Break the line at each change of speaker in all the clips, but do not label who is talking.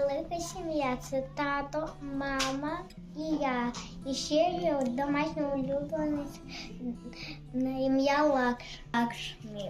велика сім'я. Це тато, мама і я. І ще є домашній улюбленець на ім'я Лакшмі.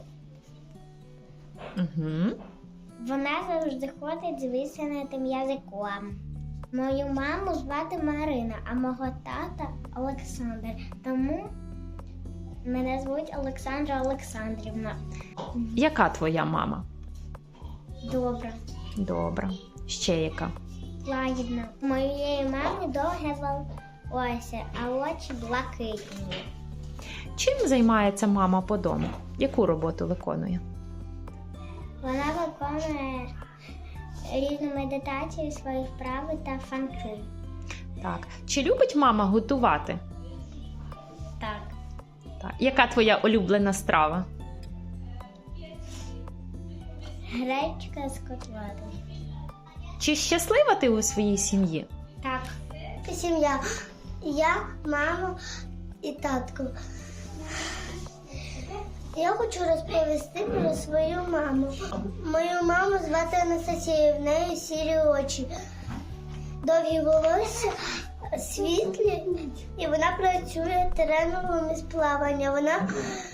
Угу.
Вона завжди ходить з висунутим язиком. Мою маму звати Марина, а мого тата Олександр. Тому мене звуть Олександра Олександрівна.
Яка твоя мама?
Добре.
Добра. Ще яка?
Лагідно. У моєї мами довге волосся, а очі блакитні.
Чим займається мама по дому? Яку роботу виконує?
Вона виконує різні медитації, свої вправи та фанки.
Так. Чи любить мама готувати?
Так.
Так. Яка твоя улюблена страва?
Гречка з котлетою.
Чи щаслива ти у своїй сім'ї?
Так. Сім'я. Я, мама і татко. Я хочу розповісти про свою маму. Мою маму звати Анастасія, в неї сірі очі, довгі волосся, світлі, і вона працює тренером із плавання. Вона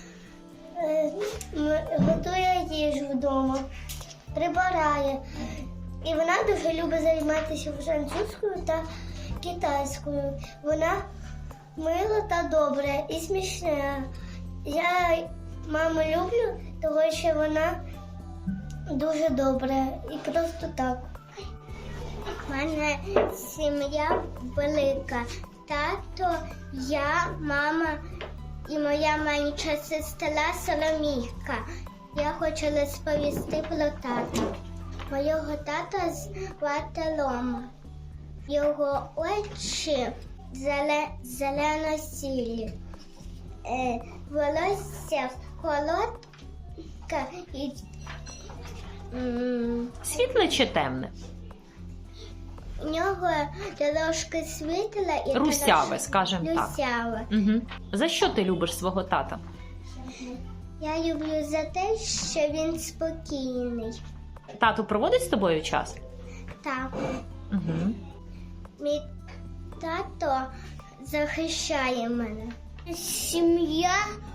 готує їжу вдома, прибирає. І вона дуже любить займатися французькою та китайською. Вона мила та добра і смішна. Я маму люблю, тому що вона дуже добра і просто так. У мене сім'я велика. Тато, я, мама і моя менша сестра Соломійка. Я хочу розповісти про тата. Моєго тата звати Лома. Його очі зелено-сірі. Волосся коротке і
Світле чи темне?
у нього трошки світла і
Русяве, скажімо так.
русяве.
Угу. За що ти любиш свого тата?
Я люблю за те, що він спокійний.
Тату проводить з тобою час?
Так,
Угу.
мій тато захищає мене. Сім'я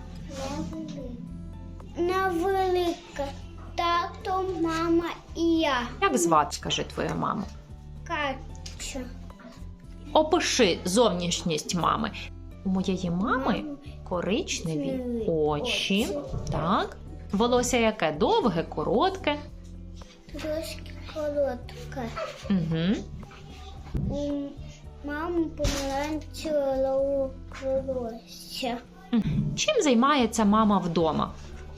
невелика. Тато, мама і я.
Як звати, скажи, твою маму?
Катя.
Опиши зовнішність мами. У моєї мами коричневі очі. Так. Волосся яке? Довге, коротке.
Трошки коротка.
Угу.
У мами помаранчеве волосся.
Чим займається мама вдома?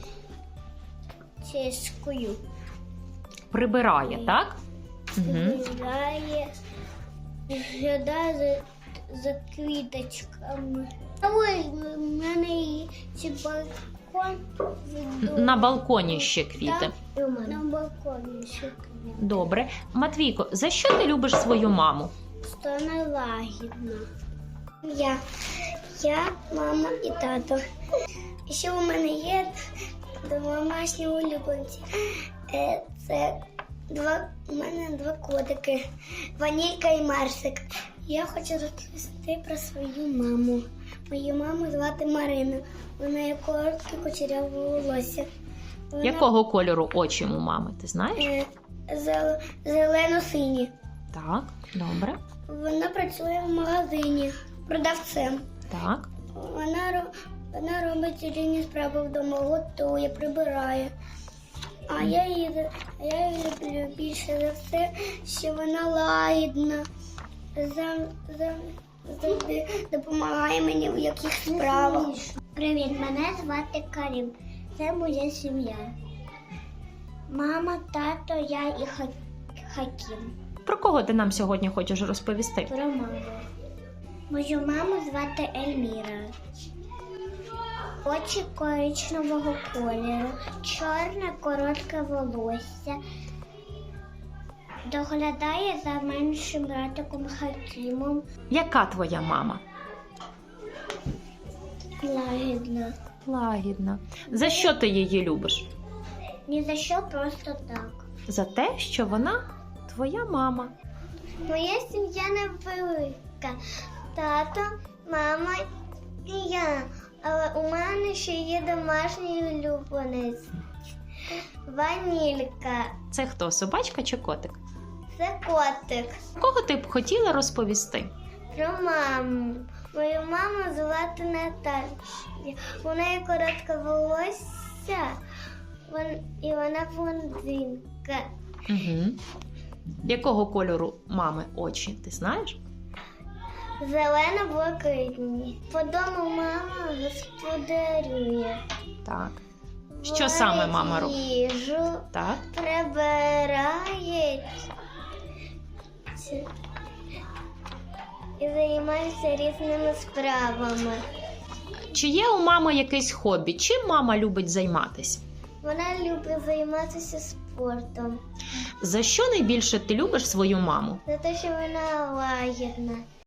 Чешкою.
Прибирає, так? Угу.
Гуляє, глядає за квіточками. А ось в мене є ще балкон.
На балконі ще квіти.
На балконі ще квіти.
Добре. Матвійко, за що ти любиш свою маму?
Що не лагідно. Я, мама і тато. І ще у мене є домашні улюбленці. Це у мене два котики. Ванілька і Марсик. Я хочу розповісти про свою маму. Мою маму звати Марина. Вона є коротке кучеряве волосся.
Якого кольору очі у мами, ти знаєш?
Зелено-сині.
Так, добре.
Вона працює в магазині продавцем.
Так.
Вона робить різні справи вдома, готує, прибирає. А я її люблю більше за все, що вона лагідна, завжди допомагає мені в якихось справах. Привіт, мене звати Карім. Це моя сім'я. Мама, тато, я і Хакім.
Про кого ти нам сьогодні хочеш розповісти?
Про маму. Мою маму звати Ельміра. Очі коричневого кольору, чорне коротке волосся. Доглядає за меншим братиком Хакімом.
Яка твоя мама?
Лагідна.
Лагідна. За що ти її любиш?
Ні за що, просто так.
За те, що вона твоя мама?
Моя сім'я невелика. Тато, мама і я. Але у мене ще є домашній улюбленець. Ванілька.
Це хто, собачка чи котик?
Це котик.
Кого ти б хотіла розповісти?
Про маму. Мою маму звати Наталя. У неї коротке волосся, і вона блондинка.
Угу. Якого кольору мами очі, ти знаєш?
Зелено-блакитні. По дому мама господарює.
Так. Що саме мама робить?
Їжу,
Так.
прибирає і займається різними справами.
Чи є у мами якесь хобі? Чим мама любить займатися?
Вона любить займатися спортом.
За що найбільше ти любиш свою маму?
За те, що вона лагідна.